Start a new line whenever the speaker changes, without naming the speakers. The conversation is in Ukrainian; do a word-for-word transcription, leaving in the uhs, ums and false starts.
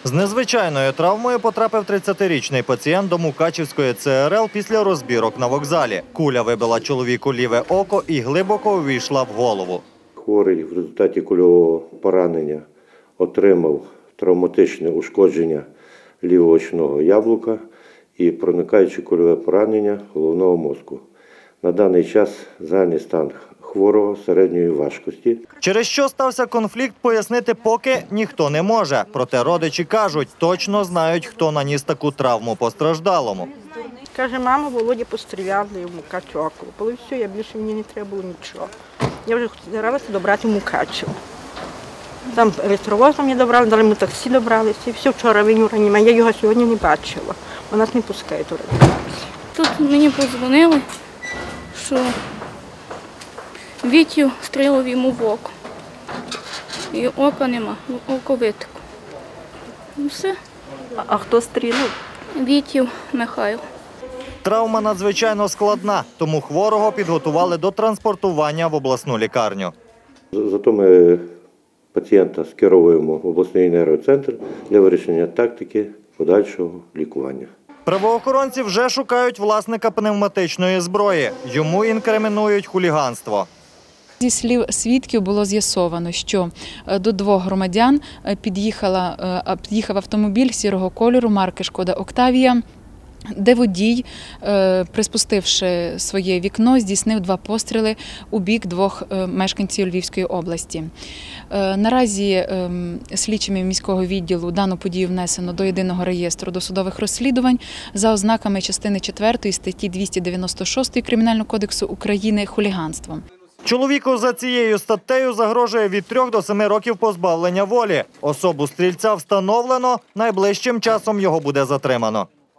З незвичайною травмою потрапив тридцятирічний пацієнт до Мукачівської Це Ер Ел після розбірок на вокзалі. Куля вибила чоловіку ліве око і глибоко увійшла в голову.
Хворий в результаті кульового поранення отримав травматичне ушкодження лівого очного яблука і проникаюче кульове поранення головного мозку. На даний час загальний стан хворого середньої важкості.
Через що стався конфлікт, пояснити поки ніхто не може. Проте родичі кажуть, точно знають, хто наніс таку травму постраждалому.
Каже, мама, Володя постріляли йому Мукачево. Коли все, я більше мені не треба було нічого. Я вже старалася добрати Мукачево. Там електровоз мені добрали, дали ми таксі добралися. І все, вчора він у реанімації. Я його сьогодні не бачила. Вона нас не пускає до реанімації.
Тут мені подзвонили, що Вітю стрілив йому в око. І ока нема, око витекло. І все.
А хто стрілив?
Вітів Михайло.
Травма надзвичайно складна, тому хворого підготували до транспортування в обласну лікарню.
Зато ми пацієнта скеровуємо в обласний нейроцентр для вирішення тактики подальшого лікування.
Правоохоронці вже шукають власника пневматичної зброї. Йому інкримінують хуліганство.
Зі слів свідків було з'ясовано, що до двох громадян під'їхала, під'їхав автомобіль сірого кольору марки «Шкода Октавія», де водій, приспустивши своє вікно, здійснив два постріли у бік двох мешканців Львівської області. Наразі слідчими міського відділу дану подію внесено до єдиного реєстру досудових розслідувань за ознаками частини четвертої статті двісті дев'яносто шість Кримінального кодексу України «Хуліганством».
Чоловіку за цією статтею загрожує від трьох до семи років позбавлення волі. Особу стрільця встановлено, найближчим часом його буде затримано.